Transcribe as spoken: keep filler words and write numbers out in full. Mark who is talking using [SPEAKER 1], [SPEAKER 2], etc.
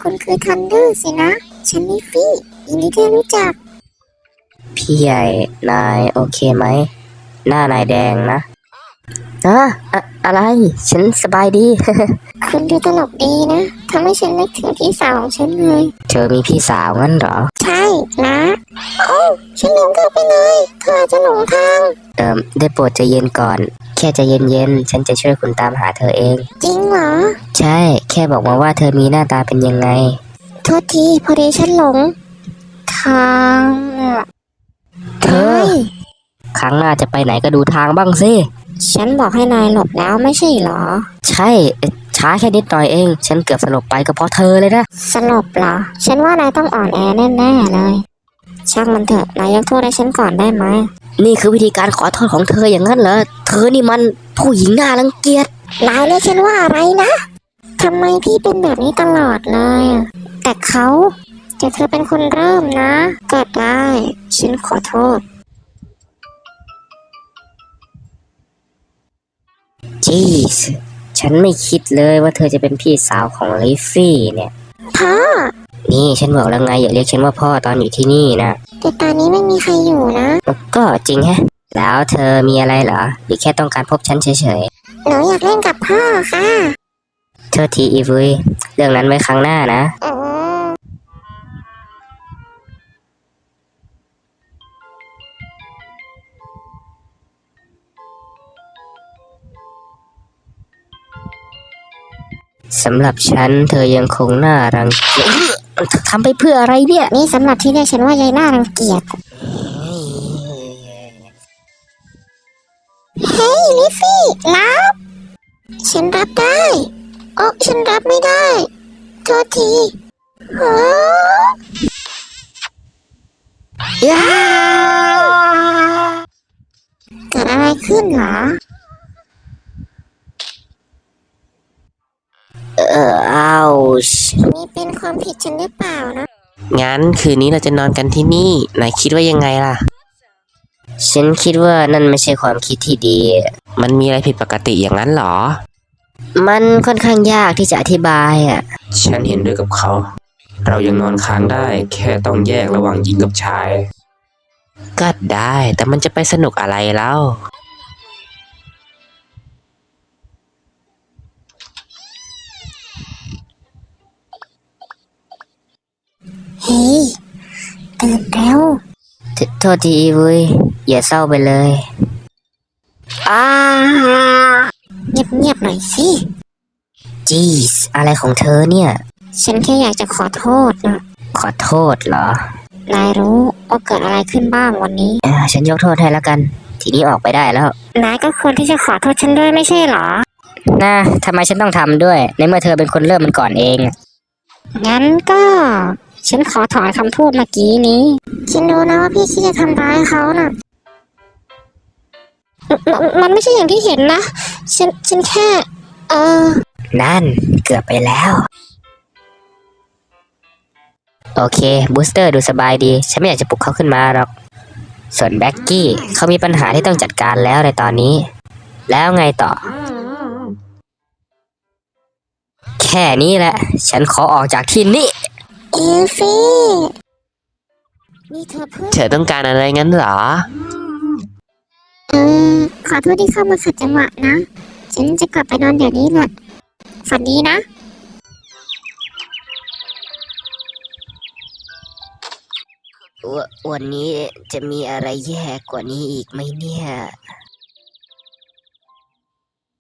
[SPEAKER 1] คุณคือทันเดอร์สินะฉันนิฟฟี่ยินดีที่รู้จัก
[SPEAKER 2] พี่ใหญ่นายโอเคไหมหน้านายแดงนะอะอะอะไรฉันสบายดี
[SPEAKER 1] คุณดูตลกดีนะทำให้ฉันนึกถึงพี่สาวของฉันเลย
[SPEAKER 2] เธอมีพี่สาวงั้นเหรอ
[SPEAKER 1] ใช่นะโอ้ฉันลืมเธอไปเลยเธออาจจะหลงทาง
[SPEAKER 2] เอิมได้โปรดใจเย็นก่อนแค่ใจเย็นๆฉันจะช่วยคุณตามหาเธอเอง
[SPEAKER 1] จริงเหรอ
[SPEAKER 2] ใช่แค่บอกมาว่าเธอมีหน้าตาเป็นยังไง
[SPEAKER 1] โทษทีพอดีฉันหลงทาง
[SPEAKER 2] เธอครั้งหน้าจะไปไหนก็ดูทางบ้างสิ
[SPEAKER 1] ฉันบอกให้นายหลบแล้วไม่ใช่เหรอ
[SPEAKER 2] ใช่ช้าแค่นิดหน่อยเองฉันเกือบสลบไปก็เพราะเธอเลยนะ
[SPEAKER 1] สลบเหรอฉันว่านายต้องอ่อนแอแน่ๆเลยช่างมันเถอะนายยกโทษให้ฉันก่อนได้ไหม
[SPEAKER 2] นี่คือวิธีการขอโทษของเธออย่างนั้นเหรอเธอนี่มันผู้หญิงน่ารังเกียจ
[SPEAKER 1] นายเรียกฉันว่าอะไรนะทำไมพี่เป็นแบบนี้ตลอดเลยแต่เขาจะเธอเป็นคนเริ่มนะก็ได้ฉันขอโทษ
[SPEAKER 2] จีสฉันไม่คิดเลยว่าเธอจะเป็นพี่สาวของลิฟฟี่เนี่ย
[SPEAKER 1] พ่อ
[SPEAKER 2] นี่ฉันบอกแล้วไงอย่าเรียกฉันว่าพ่อตอนอยู่ที่นี่นะ
[SPEAKER 1] แต่ตอนนี้ไม่มีใครอยู่นะ
[SPEAKER 2] ก็จริงแฮะแล้วเธอมีอะไรเหรอหรือแค่ต้องการพบฉันเฉย
[SPEAKER 1] หนูอยากเล่นกับพ่อค่ะ
[SPEAKER 2] ๆเธอทีอีวุยเรื่องนั้นไว้ครั้งหน้านะ
[SPEAKER 1] อืม
[SPEAKER 2] สำหรับฉันเธอยังคงน่ารังเกียจทำไปเพื่ออะไรเนี่ย
[SPEAKER 1] นี่สำหรับที่เรียกฉันว่ายายน่ารังเกียจเฮ้ยลิฟฟี่รับฉันรับได้โอ้ฉันรับไม่ได้โทษทีเฮ้อยาเกิดอะไรขึ้นเหรอ
[SPEAKER 2] เอออ้าว
[SPEAKER 1] นี่เป็นความผิดฉันหรือเปล่านะ
[SPEAKER 3] งั้นคืนนี้เราจะนอนกันที่นี่นายคิดว่ายังไงล่ะ
[SPEAKER 2] ฉันคิดว่านั่นไม่ใช่ความคิดที่ดี
[SPEAKER 3] มันมีอะไรผิดปกติอย่างนั้นเหรอ
[SPEAKER 2] มันค่อนข้างยากที่จะอธิบายอ่ะ
[SPEAKER 3] ฉันเห็นด้วยกับเขา เรายังนอนค้างได้แค่ต้องแยกระหว่างหญิงกับชายก็ได้แต่มันจะไปสนุกอะไรแล้ว
[SPEAKER 1] เฮ้ยตื่นแล้ว
[SPEAKER 2] โทษทีอีวุยอย่าเศร้าไปเลยอ้า
[SPEAKER 1] เงียบๆหน่อยสิ
[SPEAKER 2] จีสอะไรของเธอเนี่ย
[SPEAKER 1] ฉันแค่อยากจะขอโทษนะ
[SPEAKER 2] ขอโทษเหรอน
[SPEAKER 1] ายรู้ว่าเกิดอะไรขึ้นบ้างวันนี้
[SPEAKER 2] เออฉันยกโทษให้แล้วกันทีนี้ออกไปได้แล้ว
[SPEAKER 1] นายก็ควรที่จะขอโทษฉันด้วยไม่ใช่เหรอ
[SPEAKER 2] นะทำไมฉันต้องทำด้วยในเมื่อเธอเป็นคนเริ่มมันก่อนเอง
[SPEAKER 1] งั้นก็ฉันขอถอนคำพูดเมื่อกี้นี้ฉันรู้นะว่าพี่คิดจะทำร้ายเขาน่ะมมันไม่ใช่อย่างที่เห็นนะฉันฉันแค่เออ
[SPEAKER 2] นั่นเกือบไปแล้วโอเคบูสเตอร์ดูสบายดีฉันไม่อยากจะปลุกเขาขึ้นมาหรอกส่วนแบ็กกี้เขามีปัญหาที่ต้องจัดการแล้วในตอนนี้แล้วไงต่อแค่นี้แหละฉันขอออกจากที่นี่
[SPEAKER 1] เอลฟี่นี่เธอเพิ่ง
[SPEAKER 3] เธอต้องการอะไรงั้นเหรอ
[SPEAKER 1] เออขอโทษที่เข้ามาขัดจังหวะนะฉันจะกลับไปนอนเดี๋ยวนี้แหละฝันดีนะ
[SPEAKER 2] วันนี้จะมีอะไรแย่กว่านี้อีกไหมเนี่ย